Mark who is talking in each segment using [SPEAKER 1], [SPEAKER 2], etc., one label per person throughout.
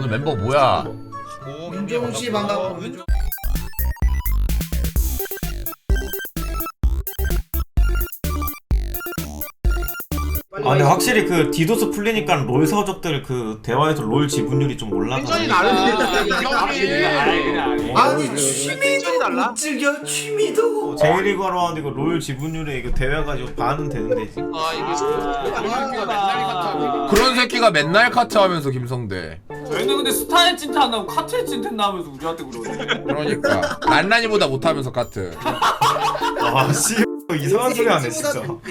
[SPEAKER 1] 오늘 멤버 뭐야?
[SPEAKER 2] 윤종씨 반갑고.
[SPEAKER 3] 아 근데 확실히 그 디도스 풀리니까 롤 서적들 그 대화에서 롤 지분율이 좀 올라가.
[SPEAKER 4] 텐션이 다른데.
[SPEAKER 2] 아니 취미도 못 즐겨 취미도.
[SPEAKER 3] 제일리그 하러 왔는데 이거 롤 지분율에 이거 대회 가지고 반은 되는데.
[SPEAKER 1] 그런 새끼가 맨날 카트 하면서 김성대.
[SPEAKER 5] 저희는 근데 스타일 찐텐 안 나고 카트에 찐텐 나면서 우리한테 그러네.
[SPEAKER 1] 그러니까 란란이보다 못하면서 카트.
[SPEAKER 3] 와 씨. 이상한 소리 하네 진짜.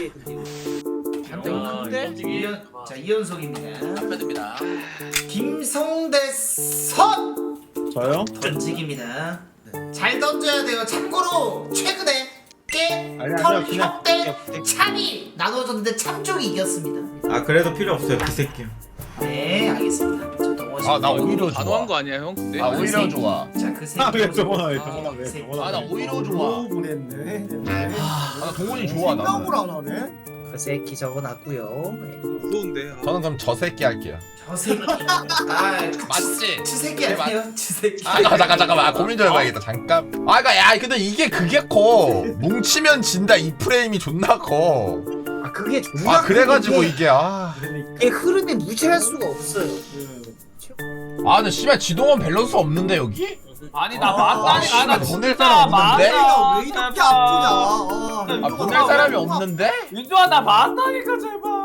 [SPEAKER 2] 자 이연속입니다.
[SPEAKER 4] 축하드립니다.
[SPEAKER 2] 김성대 선
[SPEAKER 6] 저요?
[SPEAKER 2] 던지기입니다. 잘 던져야 돼요. 참고로 최근에
[SPEAKER 6] 아니요,
[SPEAKER 2] 깨털
[SPEAKER 6] 그냥
[SPEAKER 2] 협대 참이 나눠졌는데 참족이 이겼습니다.
[SPEAKER 3] 아 그래도 필요 없어요 그 새끼.
[SPEAKER 2] 네 알겠습니다. 저 동원 씨.
[SPEAKER 1] 아 나 오히려
[SPEAKER 4] 단호한
[SPEAKER 1] 좋아.
[SPEAKER 4] 거 아니야 형? 근데?
[SPEAKER 1] 아 오히려 좋아.
[SPEAKER 2] 자그 새끼.
[SPEAKER 6] 왜 저번에 왜
[SPEAKER 2] 그 새끼.
[SPEAKER 6] 저번에
[SPEAKER 1] 아 나 오히려 좋아.
[SPEAKER 6] 보냈네.
[SPEAKER 1] 아 나 동훈이 좋아 나.
[SPEAKER 6] 생각을 안 하네.
[SPEAKER 2] 그 새끼 적어놨고요. 네.
[SPEAKER 4] 무서운데.
[SPEAKER 1] 저는 그럼 저 새끼 할게요.
[SPEAKER 2] 저 새끼. 아
[SPEAKER 1] 맞지?
[SPEAKER 2] 추새끼 아니에요? 추새끼.
[SPEAKER 1] 아 잠깐만 아, 고민 좀 해봐야겠다 잠깐. 아 그니까 야 근데 이게 그게 커. 뭉치면 진다 이 프레임이 존나 커.
[SPEAKER 2] 아 그게 존나
[SPEAKER 1] 아 그래가지고
[SPEAKER 2] 큰 게
[SPEAKER 1] 이게 아.
[SPEAKER 2] 이게 흐름에 무시할 수가 없어요.
[SPEAKER 1] 아 근데 씨발 지동원 밸런스 없는데 여기?
[SPEAKER 5] 아니 나 맞다니. 아니 나
[SPEAKER 1] 보낼
[SPEAKER 5] 진짜
[SPEAKER 1] 사람 없는데?
[SPEAKER 5] 맞아.
[SPEAKER 6] 왜 이렇게 아프냐?
[SPEAKER 1] 아 보낼 사람이 없는데?
[SPEAKER 5] 윤주아 나 맞다니까 제발.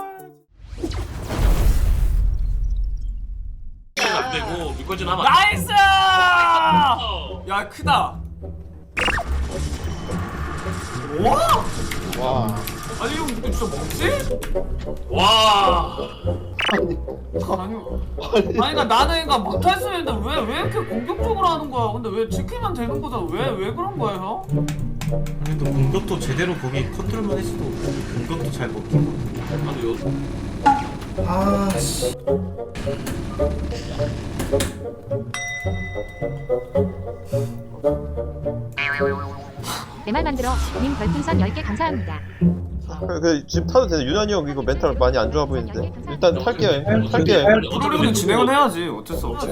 [SPEAKER 7] 안 되고 미끄러진 하면
[SPEAKER 5] 나이스! 야 크다.
[SPEAKER 1] 와.
[SPEAKER 5] 아니 형 이거 진짜 뭐지?
[SPEAKER 7] 와.
[SPEAKER 5] 아니 그러니까 나는 그러니까 못할 수 있는데 왜 이렇게 공격적으로 하는 거야? 근데 왜 지키면 되는 거잖아. 왜 그런 거야 형?
[SPEAKER 3] 아니 또 공격도 제대로 거기 컨트롤만 했어도 공격도 잘 먹히고.
[SPEAKER 2] 아 씨.
[SPEAKER 8] 내 말 만들어 님 별풍선 10개 감사합니다.
[SPEAKER 9] 지금 타도 되네. 유난히 형 이거 멘탈 많이 안 좋아 보이는데 일단 탈게요. 탈게요.
[SPEAKER 5] 프로리그는 진행은 해야지. 어쩔 수 없지.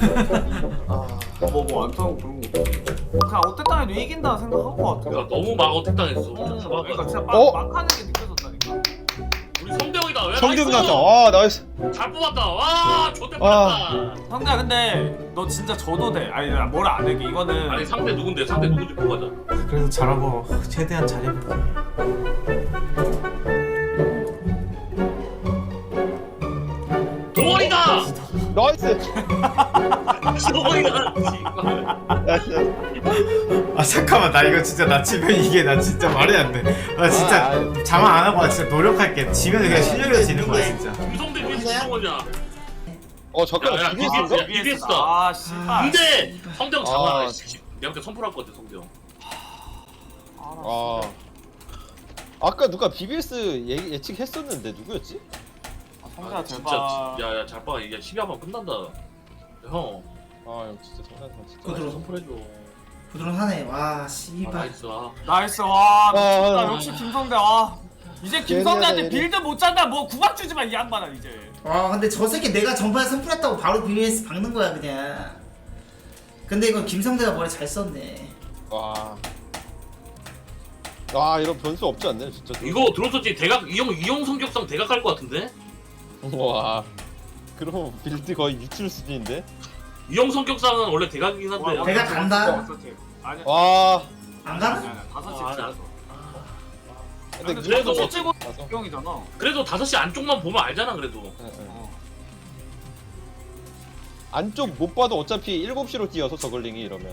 [SPEAKER 5] 뭐안 타고 그런 거. 그냥 어땠다 해도 이긴다 생각한 거 같아.
[SPEAKER 7] 야, 너무 막 어택당했어.
[SPEAKER 5] 그러니까 진짜
[SPEAKER 9] 어?
[SPEAKER 5] 막 하는 게 느껴졌다니까.
[SPEAKER 7] 우리 성대형이다. 왜
[SPEAKER 9] 성대형
[SPEAKER 7] 나이스!
[SPEAKER 9] 나왔다. 와 나이스.
[SPEAKER 7] 잘 뽑았다. 와, 좋대
[SPEAKER 9] 아.
[SPEAKER 7] 뽑았다.
[SPEAKER 5] 상대야 근데 너 진짜 져도 돼. 아니 나 뭘 안 해. 이거는
[SPEAKER 7] 아니 상대 누군데? 상대 누군지 보고 가자.
[SPEAKER 3] 그래도 잘하고 최대한 잘해볼게.
[SPEAKER 7] 동원이다.
[SPEAKER 9] 나이스.
[SPEAKER 7] 동원이다.
[SPEAKER 9] 나이스.
[SPEAKER 3] 아 잠깐만 나 이거 진짜 나 지면 이게 나 진짜 말이 안 돼. 나 진짜 자만 안 하고 나 진짜 노력할게. 지면 그냥 실력이 지는 거야 진짜.
[SPEAKER 7] 유성대 위에서 동원이야.
[SPEAKER 9] 잠깐만.
[SPEAKER 7] 야,
[SPEAKER 9] 비비스인가?
[SPEAKER 7] BBS다.
[SPEAKER 5] 아 씨발.
[SPEAKER 7] 근데 성대형 잡아.
[SPEAKER 9] 아.
[SPEAKER 7] 내가 그때 선풀할 것 같아 성대형.
[SPEAKER 9] 아. 아까 누가 BBS 예측했었는데 누구였지?
[SPEAKER 5] 상대야
[SPEAKER 7] 진짜
[SPEAKER 5] 제발.
[SPEAKER 7] 야야 잘 봐. 이게 12화만 끝난다. 형.
[SPEAKER 9] 형 진짜 장난감 진짜.
[SPEAKER 2] 부드러워.
[SPEAKER 7] 선풀해줘.
[SPEAKER 2] 부드러하네. 와
[SPEAKER 7] 아,
[SPEAKER 2] 씨발.
[SPEAKER 7] 나이스. 아.
[SPEAKER 5] 나이스 와 미쳤다.
[SPEAKER 9] 아.
[SPEAKER 5] 역시 김성대 와. 이제 김성대한테
[SPEAKER 9] 얘네.
[SPEAKER 5] 빌드 못 잔다. 뭐 구박 주지 마 이 양반아 이제.
[SPEAKER 2] 와 근데 저 새끼 내가 전판에 선풀했다고 바로 BBS 박는 거야 그냥. 근데 이건 김성대가 머리 잘 썼네.
[SPEAKER 9] 와. 아 이런 변수 없지 않네 진짜.
[SPEAKER 7] 이거 들었었지? 대각 이용 성격상 대각 할 것 같은데?
[SPEAKER 9] 와. 그럼 빌드 거의 미칠 수준인데.
[SPEAKER 7] 이용 성격상은 원래 대각이긴 한데.
[SPEAKER 2] 내가 간다?
[SPEAKER 5] 아니야.
[SPEAKER 9] 와.
[SPEAKER 2] 안 가나?
[SPEAKER 5] 아니야. 5시
[SPEAKER 7] 아,
[SPEAKER 5] 찍었어.
[SPEAKER 9] 근데
[SPEAKER 5] 근데
[SPEAKER 7] 그래도
[SPEAKER 5] 그래도
[SPEAKER 7] 뭐-
[SPEAKER 5] 찍고
[SPEAKER 9] 가서.
[SPEAKER 5] 경이잖아.
[SPEAKER 7] 그래도 5시 안쪽만 보면 알잖아 그래도.
[SPEAKER 9] 응, 응. 안쪽 못 봐도 어차피 7시로 뛰어서 저글링이 이러면.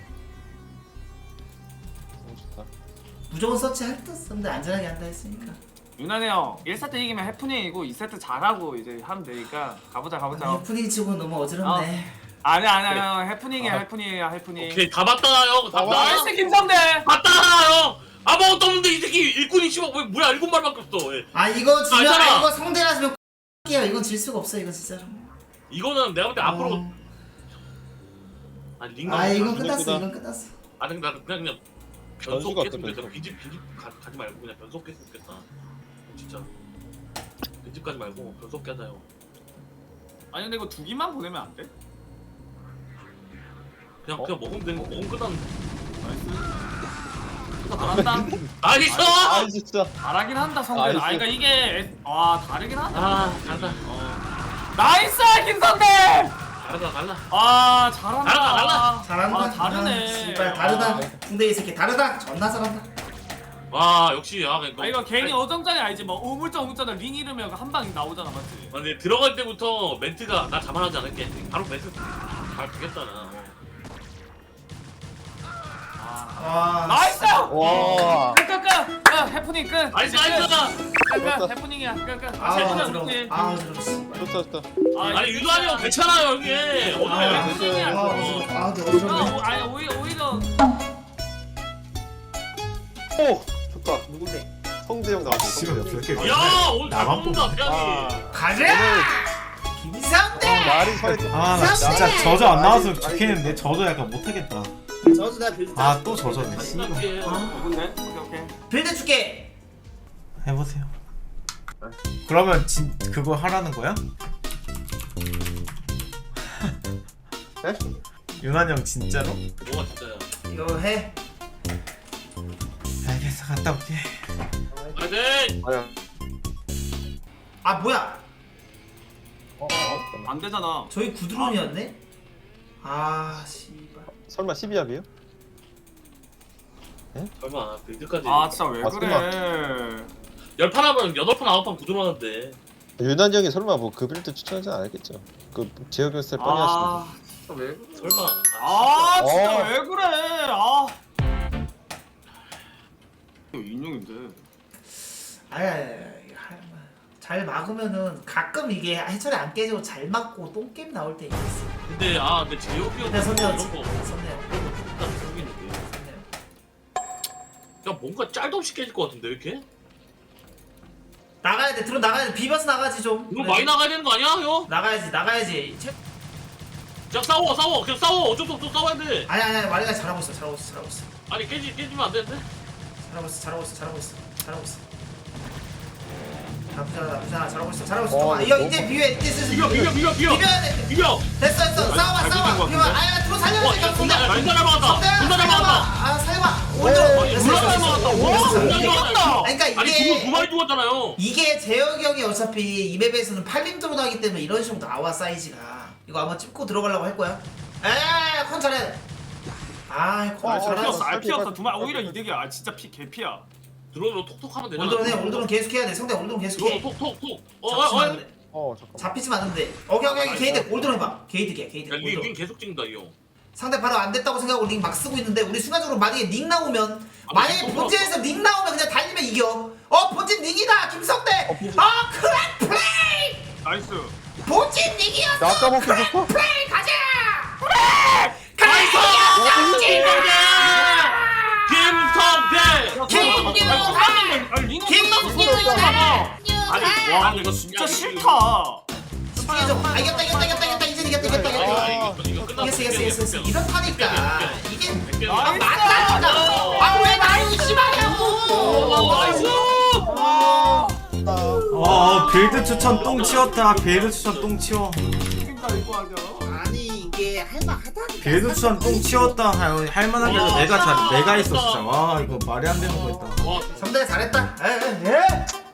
[SPEAKER 9] 너무 좋다.
[SPEAKER 2] 무조건 서치 할 듯 근데 안전하게 한다 했으니까.
[SPEAKER 5] 유난히 형 1세트 이기면 해프닝이고 2세트 잘하고 이제 하면 되니까 가보자.
[SPEAKER 2] 아니 분위기 치고 너무 어지럽네.
[SPEAKER 5] 아니야 해프닝이야 해프닝.
[SPEAKER 7] 오케이 다 봤다 형. 다 봤다.
[SPEAKER 5] 나이스 김성대.
[SPEAKER 7] 봤다 형. 아무것도 없는데 이 새끼 일꾼이 씨발 왜 뭐야 7말밖에 없어. 예.
[SPEAKER 2] 아 이거 지면
[SPEAKER 7] 알잖아.
[SPEAKER 2] 이거 성대라시면 X야. 이건 질 수가 없어 이거 진짜로.
[SPEAKER 7] 이거는 내가 볼 때 앞으로 아니 링거.
[SPEAKER 2] 아 이건
[SPEAKER 9] 끝났구나.
[SPEAKER 2] 끝났어. 이건 끝났어.
[SPEAKER 7] 아니 나 그냥 변속
[SPEAKER 9] 변수가
[SPEAKER 7] 했으면
[SPEAKER 9] 없다,
[SPEAKER 7] 좋겠다.
[SPEAKER 9] 변수.
[SPEAKER 7] 빈집 가지 말고 그냥 변속 했으면 좋겠다. 진짜. 빈집 가지 말고 변속 하자요.
[SPEAKER 5] 아니 근데 이거 2기만 보내면 안 돼?
[SPEAKER 7] 그냥 먹으면 되는 거 먹으면 끝났는데.
[SPEAKER 5] 잘한다.
[SPEAKER 7] 나이스!
[SPEAKER 9] 아 진짜.
[SPEAKER 5] 잘하긴 한다 성대.
[SPEAKER 9] 나이스.
[SPEAKER 5] 아 그러니까 이게 다르긴 하다.
[SPEAKER 7] 잘한다.
[SPEAKER 5] 나이스 김성대.
[SPEAKER 7] 갈라.
[SPEAKER 5] 아 잘한다.
[SPEAKER 7] 잘한다.
[SPEAKER 2] 잘한다.
[SPEAKER 5] 아, 다르네.
[SPEAKER 2] 씨발 다르다. 군대 이 새끼 다르다. 존나 잘한다.
[SPEAKER 7] 와 역시 그러니까.
[SPEAKER 5] 이거 괜히 어정장이 알지 뭐 우물쩡 링 이르면 한 방이 나오잖아 맞지?
[SPEAKER 7] 근데 들어갈 때부터 멘트가 나 자만하지 않을게. 바로 멘트 잘 되겠다 나.
[SPEAKER 2] 와.
[SPEAKER 5] 나이스!
[SPEAKER 9] 와.
[SPEAKER 5] 끝! 해프닝 끝!
[SPEAKER 7] 나이스!
[SPEAKER 5] 끝! 해프닝이야 끝!
[SPEAKER 2] 아
[SPEAKER 5] 해프닝
[SPEAKER 2] 들어.
[SPEAKER 5] 끝!
[SPEAKER 2] 아 들어. 씨발.
[SPEAKER 9] 좋다 좋다.
[SPEAKER 7] 아니 유도하니 형 괜찮아요 형님.
[SPEAKER 5] 해프닝이야
[SPEAKER 2] 아 근데 어지럽네.
[SPEAKER 5] 아니 오히려
[SPEAKER 9] 오 좋다.
[SPEAKER 2] 누군데?
[SPEAKER 9] 성대형 나왔어.
[SPEAKER 3] 씨발
[SPEAKER 9] 성대형.
[SPEAKER 3] 저렇게
[SPEAKER 7] 야 오늘 잘
[SPEAKER 3] 나만
[SPEAKER 7] 뽑는다
[SPEAKER 3] 뽑네.
[SPEAKER 7] 태양이.
[SPEAKER 2] 가자. 김성대.
[SPEAKER 9] 말이 서했.
[SPEAKER 3] 아 나 진짜 저저 안 나와서 좋겠는데 저저 약간 못하겠다.
[SPEAKER 2] 저도 나 빌드.
[SPEAKER 3] 아 또 저저네 씨발.
[SPEAKER 5] 누군데? 오케이
[SPEAKER 2] 빌드 줄게.
[SPEAKER 3] 해보세요. 그러면 그거 하라는 거야?
[SPEAKER 9] 네?
[SPEAKER 3] 유난 형 진짜로?
[SPEAKER 7] 뭐가 진짜야.
[SPEAKER 2] 이거 해.
[SPEAKER 3] 알겠어 갔다 올게.
[SPEAKER 7] 파이팅!
[SPEAKER 9] 아야.
[SPEAKER 2] 아 뭐야?
[SPEAKER 5] 안 되잖아
[SPEAKER 2] 저희 구드론이었네? 아 씨발.
[SPEAKER 9] 설마 12합이에요?
[SPEAKER 7] 설마 빌드까지.
[SPEAKER 5] 아 진짜 왜
[SPEAKER 9] 아,
[SPEAKER 5] 그래
[SPEAKER 7] 10판 하면 8판 9판 구두하는데.
[SPEAKER 9] 유난 형이 설마 뭐 그 빌드 추천하지 않았겠죠? 그 지역 연습 뻔히 하시는.
[SPEAKER 5] 아 진짜 왜 그래
[SPEAKER 7] 설마.
[SPEAKER 5] 아 진짜
[SPEAKER 9] 어.
[SPEAKER 5] 왜 그래 아 이거 인용인데
[SPEAKER 2] 잘 막으면은 가끔 이게 해철이 안 깨지고 잘 막고 똥게임 나올 때 있어.
[SPEAKER 7] 근데 제혁이 형
[SPEAKER 2] 근데 선대요.
[SPEAKER 7] 이런 거
[SPEAKER 2] 선대요.
[SPEAKER 7] 딱 생기는데.
[SPEAKER 2] 선대요.
[SPEAKER 7] 야 뭔가 짤도 없이 깨질 것 같은데 왜 이렇게?
[SPEAKER 2] 나가야 돼. 드론 나가야 돼. 비벼서 나가지 좀.
[SPEAKER 7] 이거
[SPEAKER 2] 그래.
[SPEAKER 7] 많이 나가야 되는 거 아니야 형?
[SPEAKER 2] 나가야지.
[SPEAKER 7] 그냥 싸워 그냥 싸워 어쩔 수 없어 싸워야 돼.
[SPEAKER 2] 아니 마리가 잘하고 있어.
[SPEAKER 7] 아니 깨지면 안 되는데?
[SPEAKER 2] 잘하고 있어. 나쁘잖아. 잘하고 있어.
[SPEAKER 9] 어,
[SPEAKER 2] 이거 이제 비벼. 이제 슬슬
[SPEAKER 7] 비벼
[SPEAKER 2] 비벼야 돼.
[SPEAKER 7] 비벼.
[SPEAKER 2] 됐어. 싸워. 비벼. 아야 들어 살려야 돼.
[SPEAKER 7] 존나 잘 막았다. 존나 잘 막았다.
[SPEAKER 2] 아 살려봐.
[SPEAKER 9] 오,
[SPEAKER 2] 올려.
[SPEAKER 7] 존나 잘 막았다. 와 존나 잘 막았다.
[SPEAKER 2] 그러니까
[SPEAKER 7] 아니
[SPEAKER 2] 이게
[SPEAKER 7] 두 마리 죽었잖아요.
[SPEAKER 2] 이게 재혁이 형이 어차피 이 맵에서는 8림 드론 하기 때문에 이런 식으로 나와 사이즈가. 이거 아마 찝고 들어가려고 할 거야. 컨 잘해. 컨 잘해.
[SPEAKER 5] 알 피었어 두말 오히려 이득이야 아 진짜 피 개피야
[SPEAKER 7] 드론으로 톡톡 하면 되잖아.
[SPEAKER 2] 올드론 계속해야 돼. 성대 올드론 계속해.
[SPEAKER 7] 드론으로 톡톡톡.
[SPEAKER 2] 잡히지만 안 돼.
[SPEAKER 9] 잠깐.
[SPEAKER 2] 잡히지만 안 돼. 오케이 게이드 올드론 해봐. 게이드야 게이드.
[SPEAKER 7] 야, 링
[SPEAKER 2] 올드론.
[SPEAKER 7] 계속 찍는다 이 형.
[SPEAKER 2] 상대 바로 안 됐다고 생각하고 링 막 쓰고 있는데 우리 순간적으로 만약에 링 나오면
[SPEAKER 7] 아,
[SPEAKER 2] 만약에
[SPEAKER 7] 링
[SPEAKER 2] 본진에서 링 나오면 그냥 달리면 이겨. 본진 링이다 김성대. 크랙 플레이.
[SPEAKER 5] 나이스
[SPEAKER 2] 본진 링이었어.
[SPEAKER 9] 나 아까 먹고 있었어?
[SPEAKER 2] 플레이 가자. 나이스.
[SPEAKER 7] 아니
[SPEAKER 5] 와 이거 진짜 싫다
[SPEAKER 2] 이겼다 이제 이겼다. 이겼어. 이렇다니까 이게 맞다니까. 왜 나를 의심하냐고.
[SPEAKER 7] 나이스.
[SPEAKER 3] 빌드 추천 똥 치웠다. 빌드 추천 똥 치워.
[SPEAKER 6] 아니 이게 할만하다니까.
[SPEAKER 3] 빌드 추천 똥 치웠다. 할만한 게 내가 있어 진짜. 와 이거 말이 안 되는 거 있다.
[SPEAKER 7] 와
[SPEAKER 2] 성대가 잘했다. 예.